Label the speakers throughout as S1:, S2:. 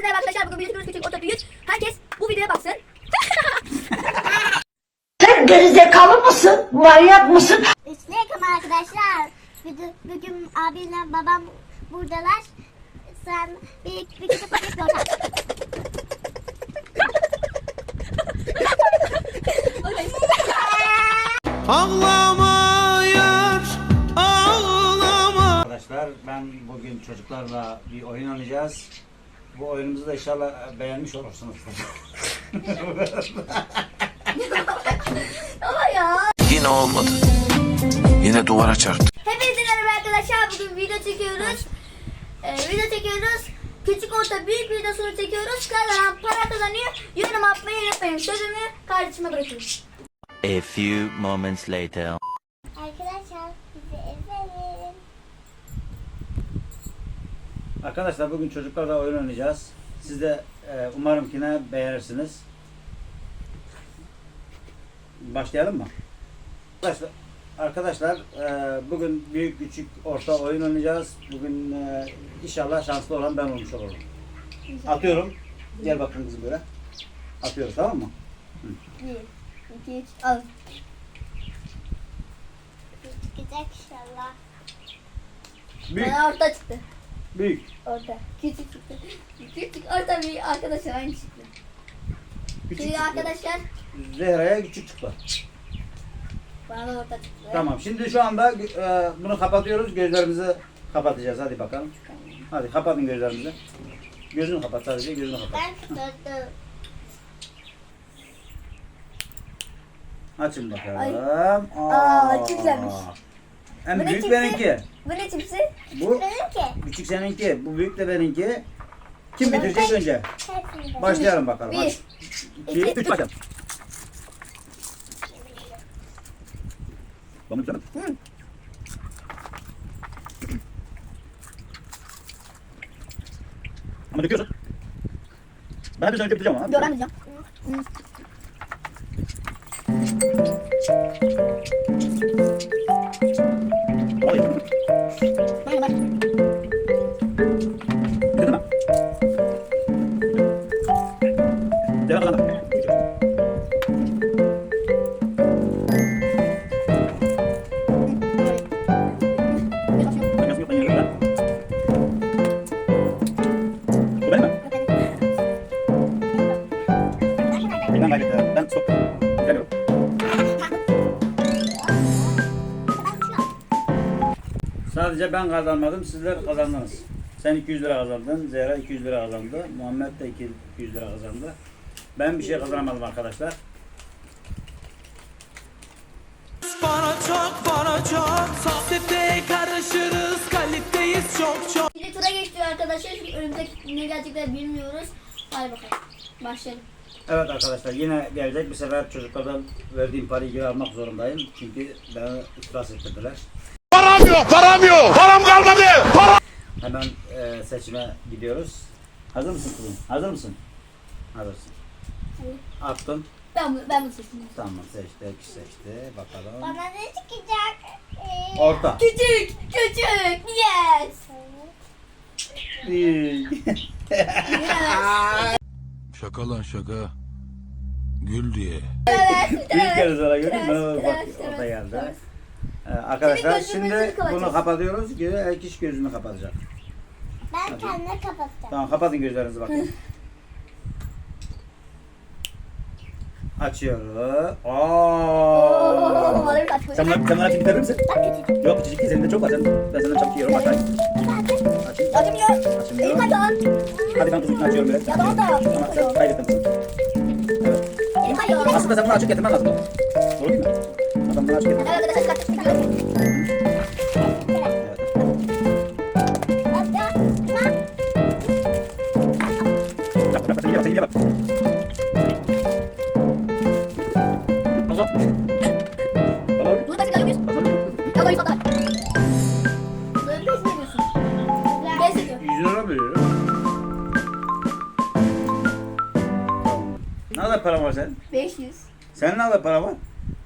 S1: Herkese merhaba arkadaşlar. Bugün büyük küçük orta büyük. Herkes bu videoya baksın.
S2: Sen gerizekalı mısın? Manyak mısın?
S3: Selam arkadaşlar. Bugün abimle babam buradalar. Sen bir küçük paket ortak.
S4: Ağlama yar, ağlama.
S5: Arkadaşlar ben bugün çocuklarla bir oyun oynayacağız. Bu oyunumuzu da inşallah beğenmiş olursunuz.
S1: Ama ya.
S4: Yine olmadı. Yine duvara çarptı.
S1: Hepinize merhaba arkadaşlar. Bugün video çekiyoruz. Küçük orta büyük videosunu çekiyoruz. Kazanan para kazanıyor. Yorum atmayı unutmayın. Sözümü kardeşime bırakıyorum.
S6: A few moments later.
S3: Arkadaşlar bizi izleyin.
S5: Arkadaşlar bugün çocuklarla oyun oynayacağız. Siz de umarım ki ne beğenirsiniz. Başlayalım mı? Arkadaşlar bugün büyük küçük orta oyun oynayacağız. Bugün inşallah şanslı olan ben olmuş olurum. Atıyorum. Gel bakın kızım böyle. Atıyoruz, tamam mı?
S1: 1, 2, 3, al.
S3: Çıkacak inşallah.
S5: Büyük.
S1: Bana orta çıktı.
S5: Büyük.
S1: Orta. Küçük çıktı. Küçük orta büyük arkadaşlar aynı çıktı.
S5: Küçük
S1: Şimdi
S5: çıktı.
S1: arkadaşlar
S5: Zehra'ya küçük çıktı.
S1: bana da orta çıktı.
S5: Tamam. Şimdi şu anda bunu kapatıyoruz. Gözlerimizi kapatacağız. Hadi bakalım. Hadi kapatın gözlerinizi. Gözünü kapat sadece. Gözünü kapat.
S3: Ben tuttum.
S5: Açın bakalım.
S1: Aa, çok güzelmiş.
S5: En
S1: Bu ne
S5: büyük
S1: çipsi?
S5: benimki.
S1: Bu ne çipsi?
S5: Bu
S3: Benimki.
S5: küçük seninki. Bu büyük de benimki. Kim bitirecek önce?
S3: Hepsini de.
S5: Başlayalım bakalım.
S1: Bir.
S5: Hadi. 2, 3 başlayalım. Bunu bitirelim.
S1: Hı.
S5: Ama döküyorsun. Ben de önce bitireceğim ama.
S1: Yo ben diyeceğim.
S5: Oy.
S1: Ben de
S5: Bitirdin mi? Zehra kazandı. Bakıyorsun, yok, ben yiyorum ben. Bu benim mi? Ben kaybettim. Ben stop. Geliyorum. Sadece ben kazanmadım, sizler kazandınız. Sen 200 lira kazandın, Zehra 200 lira kazandı, Muhammed de 200 lira kazandı. Ben bir şey kazanamadım arkadaşlar.
S4: Bana çok. Sohbete karışırız, kaliteyiz çok.
S1: Bir de tura geçti arkadaşlar. Çünkü önümüzdeki ne gelecekler bilmiyoruz. Hadi bakalım. Başlayalım.
S5: Evet arkadaşlar, yine gelecek. Bir sefer çocuklardan verdiğim parayı geri almak zorundayım. Çünkü beni iflas ettirdiler.
S4: Param yok. Param kalmadı.
S5: Hemen seçime gidiyoruz. Hazır mısın kızım? Hazır mısın? Hazırsın. Attın.
S1: Ben bunu seçtim.
S5: Tamam, seçti. Bakalım.
S3: Bana ne çıkacak?
S5: Orta.
S1: Küçük. Yes.
S4: Şaka lan şaka. Gül diye.
S5: Bir kere sonra gördüm.
S1: Evet,
S5: Bak
S1: evet,
S5: orta
S1: evet.
S5: geldi. Arkadaşlar
S1: Senin gözünü
S5: şimdi
S1: kapatacağız.
S5: bunu kapatıyoruz. Her kişi gözünü kapatacak.
S3: Ben kendime kapatacağım.
S5: Tamam, kapatın gözlerinizi bakın. Açıyoruz.
S1: Oo, bana bir kaç koy.
S5: Sen bana açıp bitirir misin?
S3: Bak küçük.
S5: Yok, küçücük değil. Senin de çok var. Ben senden çabuk yiyorum. Aç. Açayım.
S1: Açamıyor.
S5: Açmıyorum.
S1: Elim kaydı.
S5: Hadi ben kızım açıyorum böyle.
S1: Ya tamam da.
S5: Tamam, sen kaybettin kızım. Evet.
S1: Elim kaydı.
S5: Aslında sen bunu açıp getirmen lazım. Doğru değil mi? Adam bunu açıp getir.
S1: Evet arkadaşlar kaç.
S5: Evet. Bak, sen iyi bak. Tamam.
S1: Bunu kaç kalıyor muyuz? Ya da 100 kadar. Böyle pes mi ediyorsun? Pes ediyor.
S5: 100 lira veriyorum. Ne kadar param var senin?
S1: 500.
S5: Senin ne kadar para var?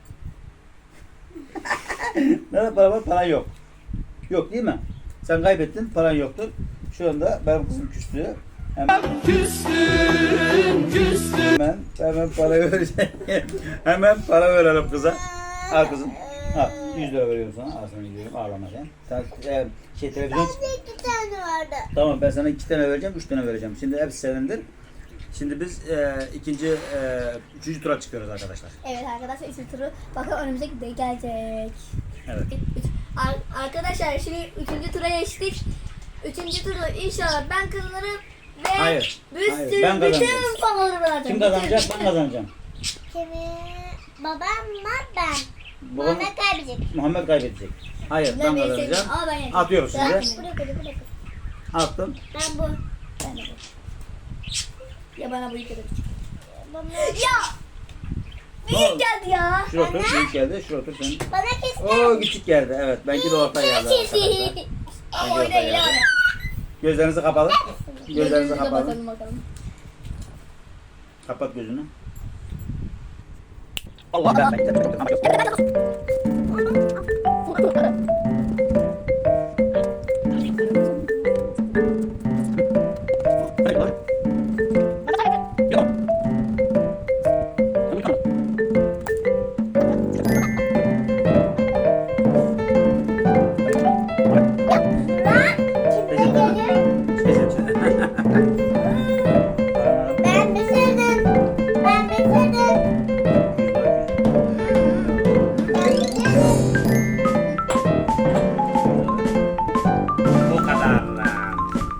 S5: Ne kadar para var? Paran yok. Yok değil mi? Sen kaybettin, paran yoktur. Şu anda benim kızım küstü. Hemen para vereceğim. Hemen para verelim kıza. Al kızım. Al. 100 lira veriyorum sana. Al sana gidiyorum. Ağlama sen. Sen televizyon...
S3: Bende 2 tane vardı.
S5: Tamam ben sana 2 tane vereceğim, 3 tane vereceğim. Şimdi hepsi senindir. Şimdi biz üçüncü tura çıkıyoruz arkadaşlar.
S1: Evet arkadaşlar isim turu bakalım önümüzdeki de gelecek.
S5: Evet.
S1: Arkadaşlar şimdi 3. tura geçtik. 3. turu inşallah ben kazanırım ve
S5: Hayır,
S1: bir
S5: hayır,
S1: sürü
S5: ben kazanacağım.
S1: bütün paraları vereceğim.
S5: Kim kazanacak? Ben kazanacağım.
S3: Kimi? Babamla ben.
S5: Babam,
S3: Muhammed kaybedecek.
S5: Muhammed kaybedecek. Hayır, ben kazanacağım.
S1: Ama ben yeneceğim.
S5: Atıyoruz
S1: Bırak
S5: şimdi.
S1: beni, bırak beni, bırak beni.
S5: Attım.
S3: Ben bu.
S1: Ben de bu. Ya bana bu yıkadı.
S3: Bana,
S1: Ya!
S5: Ne
S1: Büyük
S5: oldu?
S1: geldi ya.
S5: Şuraya otur, büyük geldi. Şuraya otur sen.
S3: bana kesin.
S5: Oo küçük geldi. Evet, benimki de orta geldi arkadaşlar.
S1: Ama öyle değil abi.
S5: Gözlerinizi kapalı. Gözlerinizi kapalı.
S1: Bakalım bakalım.
S5: Kapat gözünü. Allah ben.
S3: Ben bitirdim. Ben bitirdim. Ben bitirdim.
S5: Bu kadar lan.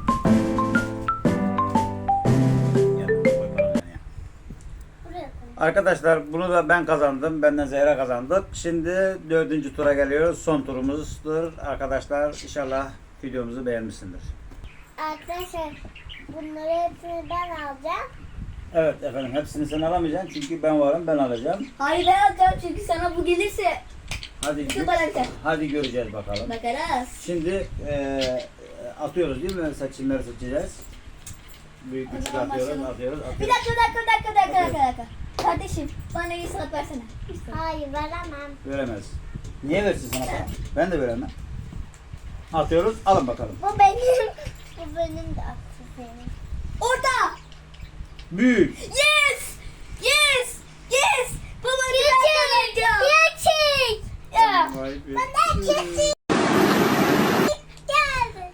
S3: Buraya koy.
S5: Arkadaşlar bunu da ben kazandım. Benden Zehra kazandık. Şimdi 4. tura geliyoruz. Son turumuzdur. Arkadaşlar inşallah videomuzu beğenmişsindir.
S3: Arkadaşlar bunları hepsini ben alacağım.
S5: Evet efendim hepsini sen alamayacaksın. Çünkü ben varım ben alacağım.
S1: Hayır ben alacağım çünkü sana bu gelirse
S5: Hadi
S1: şu bana biter.
S5: hadi göreceğiz bakalım.
S1: Bakarız.
S5: Şimdi atıyoruz değil mi? Seçimleri seçeceğiz. Büyük küçük
S1: zaman
S5: atıyoruz,
S1: başlayalım.
S5: atıyoruz,
S1: Bir
S5: atıyoruz.
S1: dakika. Kardeşim bana iyi sanat versene.
S3: Hayır veremem.
S5: Veremez. Niye versin sana para? Ben de veremem. Atıyoruz, alın bakalım.
S3: Bu benim. Bu benim de aksi senin.
S1: Orada.
S5: Büyük.
S1: Yes. Baba bir dakika.
S3: Gerçek.
S1: Ya.
S5: Vay be.
S3: Bana kesin. Geldi.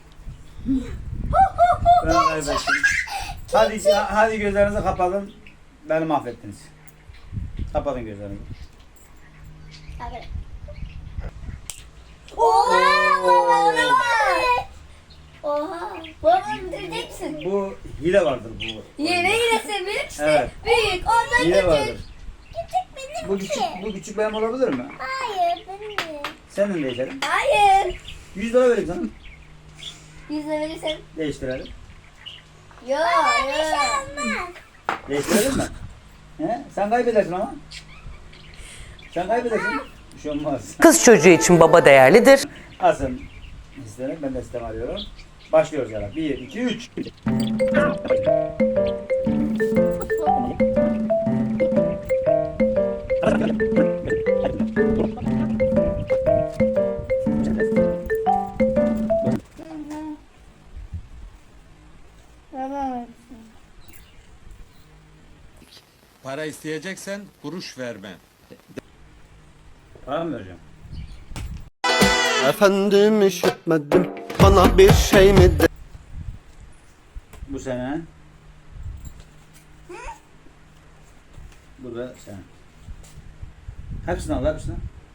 S5: Ben kaybettim. Hadi gözlerinizi kapatın. Beni mahvettiniz. Kapatın gözlerinizi.
S1: Oha. Baba ne var? Oha. Baba bitirecek misin?
S5: Bu hile vardır bu.
S1: Yine büyük işte.
S5: Evet.
S1: Büyük. Ondan
S5: Hile
S1: küçük.
S5: vardır.
S3: Küçük benim
S5: Bu küçük, bu küçük benim olabilir mi?
S3: Hayır benim de.
S5: Senin değişelim.
S1: Hayır.
S5: 100 lira vereyim sana.
S1: 100 lira verirsen.
S5: Değiştirelim.
S1: Yok.
S3: Bir şey olmaz.
S5: Değiştirelim mi? He? Sen kaybedersin ama. Sen kaybedersin. Bir şey olmaz.
S7: Kız çocuğu için baba değerlidir.
S5: Alsın isterim. Ben de sistem arıyorum. Başlıyoruz yani. 1, 2, 3.
S4: Para isteyeceksen kuruş verme.
S5: Para mı vereceğim?
S8: Efendim işitmedim, bana bir şey mi de?
S5: Bu sene. Bu da sen. Hepsini al, hepsini.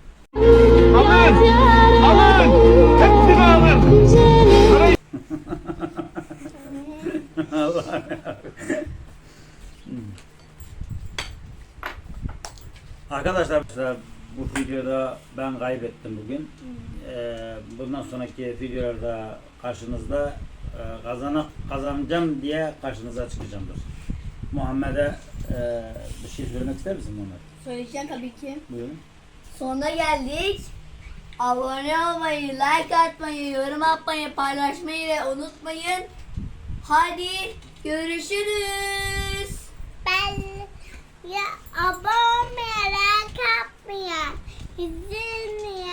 S5: Allah'ım yarabbim. Arkadaşlar bu videoda ben kaybettim bugün. Bundan sonraki videolarda karşınızda kazanacağım diye karşınıza çıkacağımdır. Muhammed'e bir şey söylemek ister misin Muhammed?
S1: Söyleyeceğim tabii ki.
S5: Buyurun.
S1: Sonuna geldik. Abone olmayı, like atmayı, yorum atmayı, paylaşmayı ve unutmayın. Hadi görüşürüz.
S3: Ben ya abone merak etmeyin. İzleyin.